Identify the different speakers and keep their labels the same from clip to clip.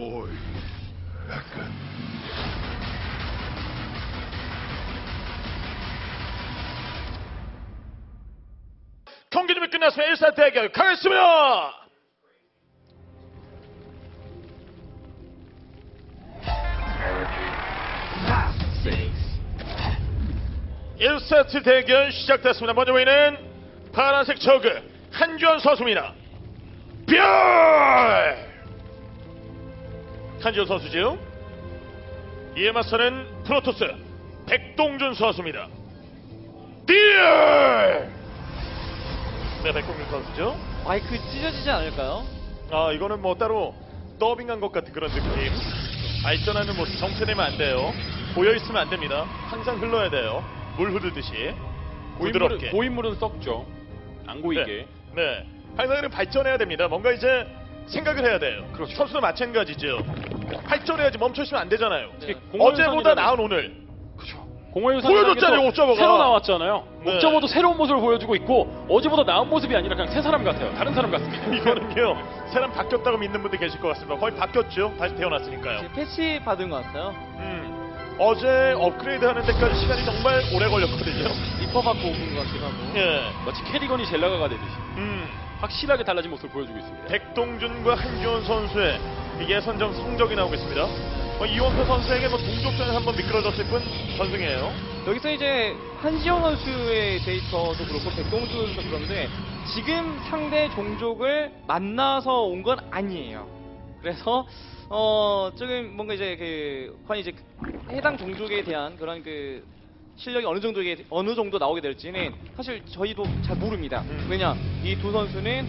Speaker 1: 보이. 약간
Speaker 2: 경기 준비 끝났으면 1사 대결 가겠습니다. 일세트 대결 시작됐습니다. 먼저 보이는 파란색 저그 한지원 선수입니다. 별! 한지원 선수죠. 이에 맞서는 프로토스 백동준 선수입니다. 딜! 네, 백동준 선수죠.
Speaker 3: 마이크 찢어지지 않을까요?
Speaker 2: 아, 이거는 뭐 따로 더빙한 것 같은 그런 느낌. 발전하는 모습 정체되면 안 돼요. 보여있으면 안 됩니다. 항상 흘러야 돼요. 물 흐르듯이 부드럽게.
Speaker 4: 고인물은 썩죠. 안 고이게.
Speaker 2: 네. 항상 발전해야 됩니다. 뭔가 이제 생각을 해야 돼요.
Speaker 4: 그렇죠.
Speaker 2: 선수도 마찬가지죠. 발전해야지 멈춰있으면 안 되잖아요.
Speaker 4: 특히
Speaker 3: 네.
Speaker 2: 어제보다
Speaker 4: 공허유산이라는-
Speaker 2: 나은 오늘.
Speaker 4: 그렇죠. 공허유산
Speaker 2: 보여줬잖아요, 옵저버가.
Speaker 4: 새로 나왔잖아요.
Speaker 2: 네.
Speaker 4: 옵저버도 새로운 모습을 보여주고 있고 어제보다 나은 모습이 아니라 그냥 새 사람 같아요. 다른 사람 같습니다.
Speaker 2: 이거는요. 사람 바뀌었다고 믿는 분들 계실 것 같습니다. 거의 바뀌었죠. 다시 태어났으니까요.
Speaker 3: 지금 패치 받은 것 같아요.
Speaker 2: 어제 업그레이드 하는 데까지 시간이 정말 오래 걸렸거든요.
Speaker 3: 리퍼 받고 온 것 같기도 하고.
Speaker 2: 예.
Speaker 4: 마치 캐리건이 젤라가가 되듯이
Speaker 2: 음.
Speaker 4: 확실하게 달라진 모습을 보여주고 있습니다.
Speaker 2: 백동준과 한지원 선수의 예선전 성적이 나오고 있습니다. 이원표 선수에게 동족전에 한번 미끄러졌을 뿐 전승이에요.
Speaker 3: 여기서 이제 한지영 선수의 데이터도 그렇고 백동준 선수도 그런데 지금 상대 종족을 만나서 온 건 아니에요. 그래서 조금 뭔가 이제 과연 이제 해당 종족에 대한 그런 실력이 어느 정도 나오게 될지는 사실 저희도 잘 모릅니다. 왜냐 이 두 선수는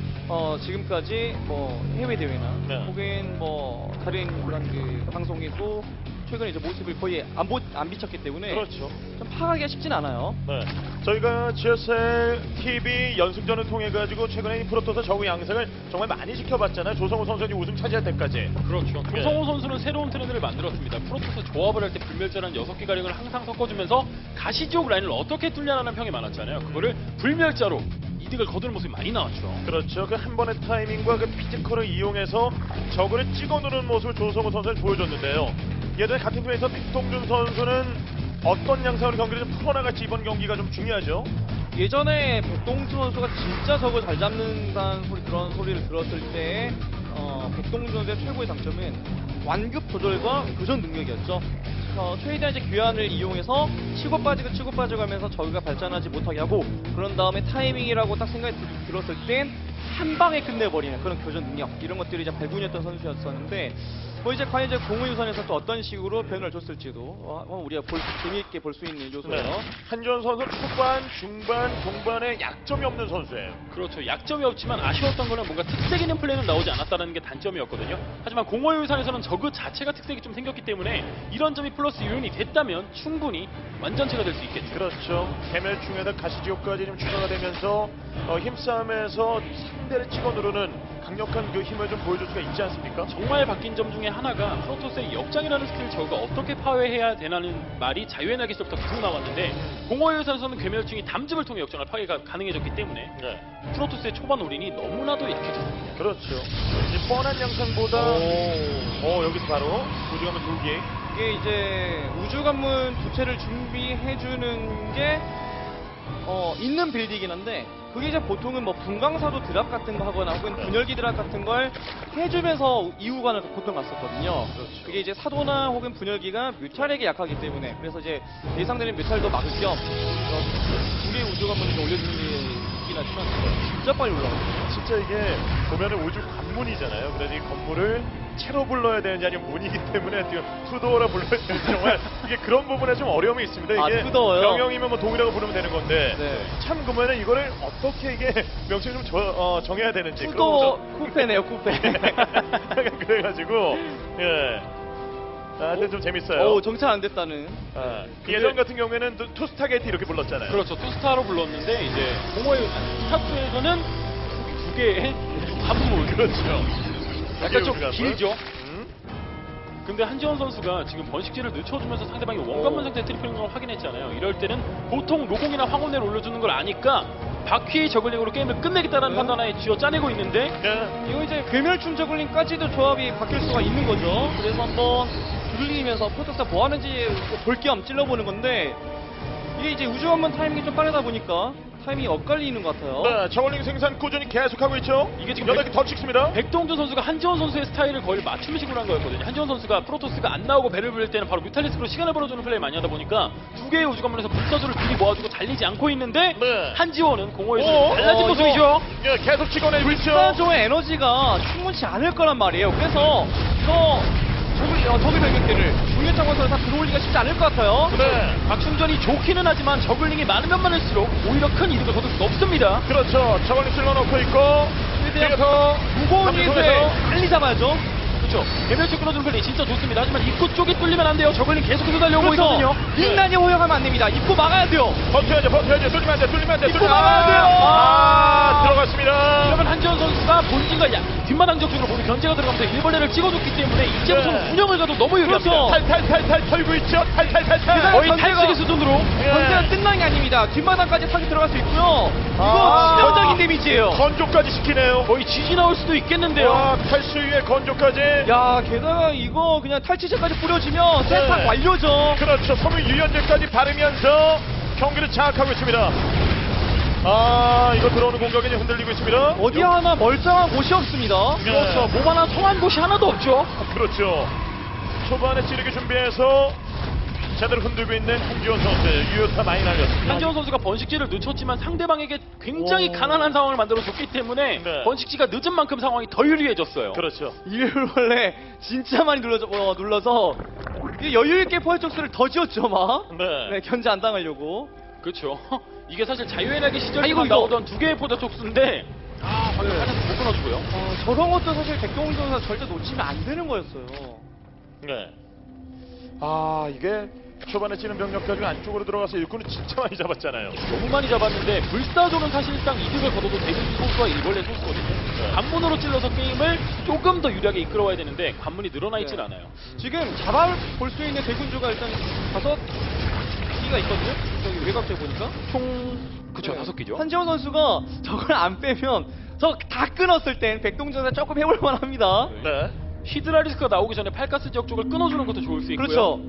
Speaker 3: 지금까지 뭐 해외 대회나
Speaker 2: 네.
Speaker 3: 혹은 뭐 다른 그런 방송에도 최근에 이제 모습을 거의 안 비쳤기 때문에
Speaker 2: 그렇죠.
Speaker 3: 좀 파악하기가 쉽진 않아요.
Speaker 2: 네. 저희가 GSL TV 연승전을 통해 가지고 최근에 이 프로토스 저우 양상을 정말 많이 지켜봤잖아요. 조성우 선수가 우승 차지할 때까지.
Speaker 4: 그렇죠.
Speaker 2: 예.
Speaker 4: 조성호 선수는 새로운 트렌드를 만들었습니다. 프로토스 조합을 할 때 불멸자라는 6개 가령을 항상 섞어주면서 가시지옥 라인을 어떻게 뚫냐라는 평이 많았잖아요. 그거를 불멸자로 이득을 거두는 모습이 많이 나왔죠.
Speaker 2: 그렇죠. 그 한 번의 타이밍과 그 피지컬을 이용해서 저그를 찍어 누르는 모습을 조성우 선수가 보여줬는데요. 예전에 같은 팀에서 백동준 선수는 어떤 양상으로 경기를 좀 풀어나갈지 이번 경기가 좀 중요하죠.
Speaker 3: 예전에 백동준 선수가 진짜 저걸 잘 잡는다는 그런 소리를 들었을 때 백동준 선수의 최고의 장점은 완급 조절과 교전 능력이었죠. 최대한 이제 교환을 이용해서 치고 빠지고 하면서 저희가 발전하지 못하게 하고 그런 다음에 타이밍이라고 딱 생각이 들었을 땐 한 방에 끝내버리는 그런 교전 능력 이런 것들이 이제 발군이었던 선수였었는데 뭐 이제 과연 이제 공허유산에서 또 어떤 식으로 변화를 줬을지도 우리가 재미있게 볼 수 있는 요소예요.
Speaker 2: 네. 한지원 선수 초반, 중반, 동반에 약점이 없는 선수예요.
Speaker 4: 그렇죠. 약점이 없지만 아쉬웠던 거는 뭔가 특색 있는 플레이는 나오지 않았다는 게 단점이었거든요. 하지만 공허유산에서는 저그 자체가 특색이 좀 생겼기 때문에 이런 점이 플러스 요인이 됐다면 충분히 완전체가 될 수 있겠죠.
Speaker 2: 그렇죠. 개멸충에다 가시지옥까지 좀 추가가 되면서 힘싸움에서 상대를 찍어 누르는 강력한 그 힘을 좀 보여줄 수가 있지 않습니까?
Speaker 4: 정말 바뀐 점 중에 하나가 프로토스의 역장이라는 스킬을 저가 어떻게 파괴해야 되나는 말이 자유의 날개서부터 계속 나왔는데 공허유산에서는 괴멸충이 담즙을 통해 역장을 파괴가 가능해졌기 때문에
Speaker 2: 네.
Speaker 4: 프로토스의 초반 올인이 너무나도 약해졌습니다.
Speaker 2: 그렇죠. 이제 뻔한 양상보다 여기서 바로 우주가면 돌기.
Speaker 3: 이게 이제 우주관문 두 채를 준비해주는 게 있는 빌드이긴 한데 그게 이제 보통은 뭐 분광사도 드랍 같은 거 하거나 혹은 분열기 드랍 같은 걸 해주면서 이후관을 보통 갔었거든요.
Speaker 2: 그렇죠.
Speaker 3: 그게 이제 사도나 혹은 분열기가 뮤탈에게 약하기 때문에 그래서 이제 예상되는 뮤탈도 막을 겸 두 개의 우주관문을 좀 올려주는 게 있긴 하지만 진짜 빨리 올라가요.
Speaker 2: 진짜 이게 보면은 우주 관문이잖아요. 그래서 이 건물을 채로 불러야 되는지 아니면 문이기 때문에 지금 투도어라 불러야 되는지 정말 이게 그런 부분에 좀 어려움이 있습니다. 이게
Speaker 3: 투도어요?
Speaker 2: 병영이면 뭐 동이라고 부르면 되는 건데
Speaker 3: 네.
Speaker 2: 참 그러면은 이거를 어떻게 이게 명칭을 좀 정해야 되는지
Speaker 3: 투도 쿠페네요, 쿠페.
Speaker 2: 약간 그래가지고 예. 근데 좀 재밌어요.
Speaker 3: 정찰 안 됐다는.
Speaker 2: 예전 같은 경우에는 투스타게이트 이렇게 불렀잖아요.
Speaker 4: 그렇죠. 투스타로 불렀는데 이제 공허유산 스타트에서는 두 개의 관문
Speaker 2: 그렇죠.
Speaker 4: 약간 좀
Speaker 2: 우주관문.
Speaker 4: 길죠. 근데 한지원 선수가 지금 번식지를 늦춰주면서 상대방이 원관문 상태 트리플링을 확인했잖아요. 이럴 때는 보통 로공이나 황혼을 올려주는 걸 아니까 바퀴 저글링으로 게임을 끝내겠다는
Speaker 3: 네.
Speaker 4: 판단하에 쥐어 짜내고 있는데
Speaker 2: 네.
Speaker 3: 이거 이제 괴멸충 저글링까지도 조합이 바뀔 수가 있는 거죠. 그래서 한번 두들리면서 프로토스가 뭐 하는지 볼 겸 찔러보는 건데 이게 이제 우주원문 타이밍이 좀 빠르다 보니까 타이밍이 엇갈리는 것 같아요.
Speaker 2: 네, 저울링 생산 꾸준히 계속하고 있죠.
Speaker 4: 이게 지금
Speaker 2: 8개 더 찍습니다.
Speaker 4: 백동준 선수가 한지원 선수의 스타일을 거의 맞춤식으로 한 거였거든요. 한지원 선수가 프로토스가 안 나오고 배를 불릴 때는 바로 뮤탈리스크로 시간을 벌어주는 플레이 많이 하다 보니까 두 개의 우주관문에서 불사조를 둘이 모아주고 달리지 않고 있는데
Speaker 2: 네.
Speaker 4: 한지원은 공허에서
Speaker 2: 오,
Speaker 4: 달라진
Speaker 3: 이거-
Speaker 4: 모습이죠.
Speaker 2: 예, 계속 찍어내고 있죠.
Speaker 3: 불사조의 에너지가 충분치 않을 거란 말이에요. 그래서 저기 병력들을 중요 차원에서 다 들어올리기가 쉽지 않을 것 같아요.
Speaker 2: 네.
Speaker 4: 박충전이 좋기는 하지만 저글링이 많으면 많을수록 오히려 큰 이득을 거둘 수 없습니다.
Speaker 2: 그렇죠. 저울링 쓸러놓고 있고 뒤에서
Speaker 3: 무거운 일에
Speaker 2: 통해서
Speaker 3: 빨리 잡아야죠.
Speaker 4: 그렇죠. 개별적 끌어주는 플레이 진짜 좋습니다. 하지만 입구 쪽이 뚫리면 안 돼요. 저글링 계속해서 달려오고
Speaker 3: 그렇죠.
Speaker 4: 있거든요.
Speaker 3: 빅난이 호영하면 안 됩니다. 입구 막아야 돼요.
Speaker 2: 버텨야죠. 뚫리면 안 돼.
Speaker 3: 입구 막아야 돼요.
Speaker 2: 들어갔습니다.
Speaker 4: 이러면 한지원 선수가 본진과 뒷마당 적중으로 모두 견제가 들어가면서 일벌레를 찍어줬기 때문에 이제부터는
Speaker 2: 네.
Speaker 4: 운영을 가도 너무 유리합니다.
Speaker 3: 그렇죠.
Speaker 2: 탈탈탈탈 털고 있죠. 탈탈탈탈.
Speaker 4: 거의
Speaker 3: 견제가-
Speaker 4: 탈수기 수준으로
Speaker 3: 전세가 끝난 게 아닙니다. 뒷마당까지 타기 들어갈 수 있고요. 이거 치명적인 데미지예요.
Speaker 2: 건조까지 시키네요.
Speaker 4: 거의 지지 나올 수도 있겠는데요.
Speaker 2: 와, 탈수 위에 건조까지.
Speaker 3: 야, 게다가 이거 그냥 탈취제까지 뿌려주면 세탁 완료죠.
Speaker 2: 그렇죠. 섬유 유연제까지 바르면서 경기를 장악하고 있습니다. 아, 이거 들어오는 공격이 이제 흔들리고 있습니다.
Speaker 3: 어디 하나 멀쩡한 곳이 없습니다.
Speaker 2: 네.
Speaker 4: 그렇죠. 몸 하나 통한 곳이 하나도 없죠.
Speaker 2: 그렇죠. 초반에 찌르기 준비해서 제대로 흔들고 있는 한지원 선수. 유효타 많이 날렸습니다.
Speaker 4: 한지원 선수가 번식지를 늦췄지만 상대방에게 굉장히
Speaker 3: 오.
Speaker 4: 가난한 상황을 만들어줬기 때문에
Speaker 2: 네.
Speaker 4: 번식지가 늦은 만큼 상황이 더 유리해졌어요.
Speaker 2: 그렇죠.
Speaker 3: 일벌레 진짜 많이 눌러서 이게 여유있게 포획적수를 더 지었죠, 막.
Speaker 2: 네.
Speaker 3: 네, 견제 안 당하려고.
Speaker 4: 그렇죠. 이게 사실 자유의 날개 시절에
Speaker 3: 이거.
Speaker 4: 나오던 두 개의 포자 촉수인데 방금
Speaker 3: 네.
Speaker 4: 하나도 못 끊어주고요.
Speaker 3: 저런 것도 사실 백동훈 선수가 절대 놓치면 안 되는 거였어요.
Speaker 2: 네. 아, 이게 초반에 찌는 병력 가지고 안쪽으로 들어가서 일꾼을 진짜 많이 잡았잖아요.
Speaker 4: 너무 많이 잡았는데 불사조는 사실상 이득을 거둬도 대부분 소수와 일벌레 소수거든요.
Speaker 2: 네.
Speaker 4: 관문으로 찔러서 게임을 조금 더 유리하게 이끌어와야 되는데 관문이 늘어나 있질
Speaker 3: 네.
Speaker 4: 않아요.
Speaker 3: 지금 잡아볼 수 있는 대군주가 일단 5기가 있거든요. 저기 외곽에 보니까.
Speaker 4: 그쵸,
Speaker 3: 네.
Speaker 4: 5개죠.
Speaker 3: 한지원 선수가 저걸 안 빼면 저 다 끊었을 땐 백동준 선수가 조금 해볼 만합니다.
Speaker 2: 네.
Speaker 4: 히드라리스크가 나오기 전에 팔가스 지역 쪽을 끊어주는 것도 좋을 수 있고요.
Speaker 3: 그렇죠.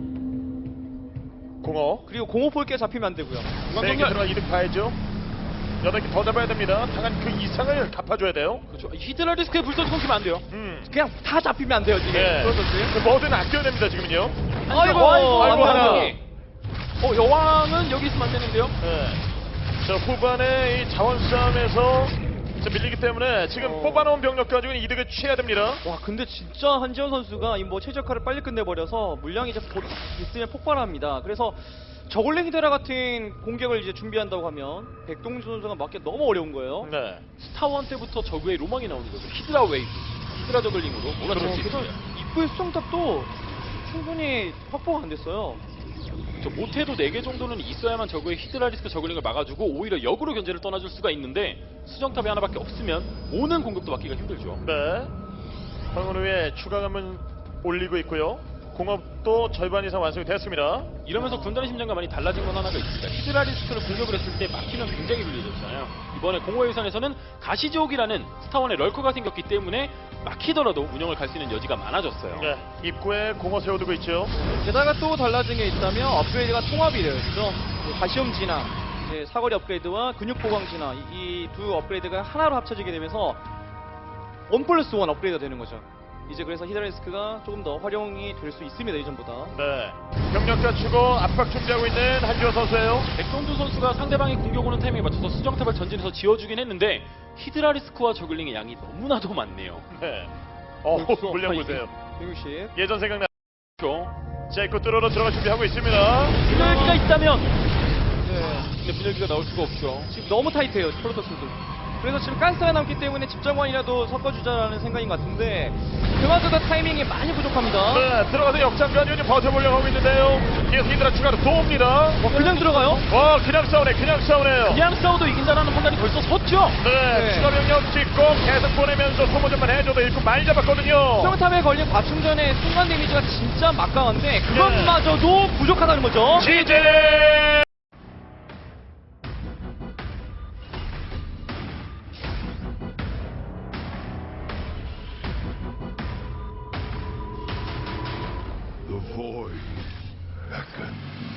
Speaker 2: 공허.
Speaker 3: 그리고 공호폴게 잡히면 안 되고요.
Speaker 4: 중앙
Speaker 2: 4개
Speaker 4: 정렬.
Speaker 2: 들어가 이득 봐야죠. 8개 더 잡아야 됩니다. 당한 그 이상을 갚아줘야 돼요.
Speaker 4: 그렇죠. 히드라리스크에 불사조 끊기면 안 돼요.
Speaker 3: 그냥 다 잡히면 안 돼요, 지금.
Speaker 2: 네.
Speaker 3: 그렇죠.
Speaker 2: 그 뭐든 아껴야 됩니다, 지금은요.
Speaker 3: 아이고,
Speaker 2: 아이고,
Speaker 3: 안
Speaker 2: 하나.
Speaker 3: 되네.
Speaker 4: 여왕은 여기 있으면 안 되는데요.
Speaker 2: 네. 자, 후반에 이 자원 싸움에서 자, 밀리기 때문에 지금 뽑아놓은 병력 가지고 이득을 취해야 됩니다.
Speaker 3: 와, 근데 진짜 한지원 선수가 이 뭐 최적화를 빨리 끝내버려서 물량이 이제 있으면 폭발합니다. 그래서 저글링 히드라 같은 공격을 이제 준비한다고 하면 백동준 선수가 맞기 너무 어려운 거예요.
Speaker 2: 네.
Speaker 4: 스타원 때부터 저그의 로망이 나오는 거죠. 히드라 웨이브, 히드라 저글링으로 몰아칠 수
Speaker 3: 그래서
Speaker 4: 있어요.
Speaker 3: 입구의 수정탑도 충분히 확보가 안 됐어요.
Speaker 4: 못해도 4개 정도는 있어야만 저그의 히드라리스크 저글링을 막아주고 오히려 역으로 견제를 떠나줄 수가 있는데 수정탑이 하나밖에 없으면 오는 공격도 막기가 힘들죠.
Speaker 2: 네. 방어 후에 추가감은 올리고 있고요. 공업도 절반 이상 완성이 됐습니다.
Speaker 4: 이러면서 군단의 심장과 많이 달라진 건 하나가 있습니다. 히드라리스크를 공격을 했을 때 막히면 굉장히 불리해졌잖아요. 이번에 공허의 유산에서는 가시지옥이라는 스타원의 럴커가 생겼기 때문에 막히더라도 운영을 갈 수 있는 여지가 많아졌어요.
Speaker 2: 네. 입구에 공어 세워두고 있죠.
Speaker 3: 게다가 또 달라진 게 있다면 업그레이드가 통합이 되었죠. 가시험 진화, 이제 사거리 업그레이드와 근육 보강 진화 이 두 업그레이드가 하나로 합쳐지게 되면서 1+1 업그레이드가 되는 거죠. 이제 그래서 히드라리스크가 조금 더 활용이 될 수 있습니다, 이전보다.
Speaker 2: 네. 병력 갖추고 압박 준비하고 있는 한지원 선수예요.
Speaker 4: 백동준 선수가 상대방이 공격 오는 타이밍에 맞춰서 수정탑을 전진해서 지어주긴 했는데 히드라리스크와 저글링의 양이 너무나도 많네요.
Speaker 2: 네.
Speaker 3: 벌써
Speaker 2: 물량 보세요.
Speaker 3: 160.
Speaker 2: 예전 생각나.
Speaker 4: 그렇죠.
Speaker 2: 자, 입구 뚫어러 들어갈 준비하고 있습니다.
Speaker 4: 분열기가 있다면
Speaker 3: 네.
Speaker 4: 근데 분열기가 나올 수가 없죠.
Speaker 3: 지금 너무 타이트해요, 프로토스도. 그래서 지금 가스가 남기 때문에 집정관이라도 섞어주자라는 생각인 것 같은데 그마저도 타이밍이 많이 부족합니다.
Speaker 2: 네, 들어가서 역장 가지고 이제 버텨보려고 하고 있는데요. 뒤에서 히드라 추가로 또 옵니다.
Speaker 3: 그냥 들어가요?
Speaker 2: 와, 그냥 싸우네요.
Speaker 4: 그냥 싸워도 이긴다는 판단이 벌써 섰죠.
Speaker 2: 네,
Speaker 3: 네.
Speaker 2: 추가 병력 찍고 계속 보내면서 소모전만 해줘도 일꾼 많이 잡았거든요.
Speaker 3: 수정탑에 걸린 과충전의 순간 데미지가 진짜 막강한데 그것마저도 부족하다는 거죠.
Speaker 2: 지제
Speaker 1: void beckons.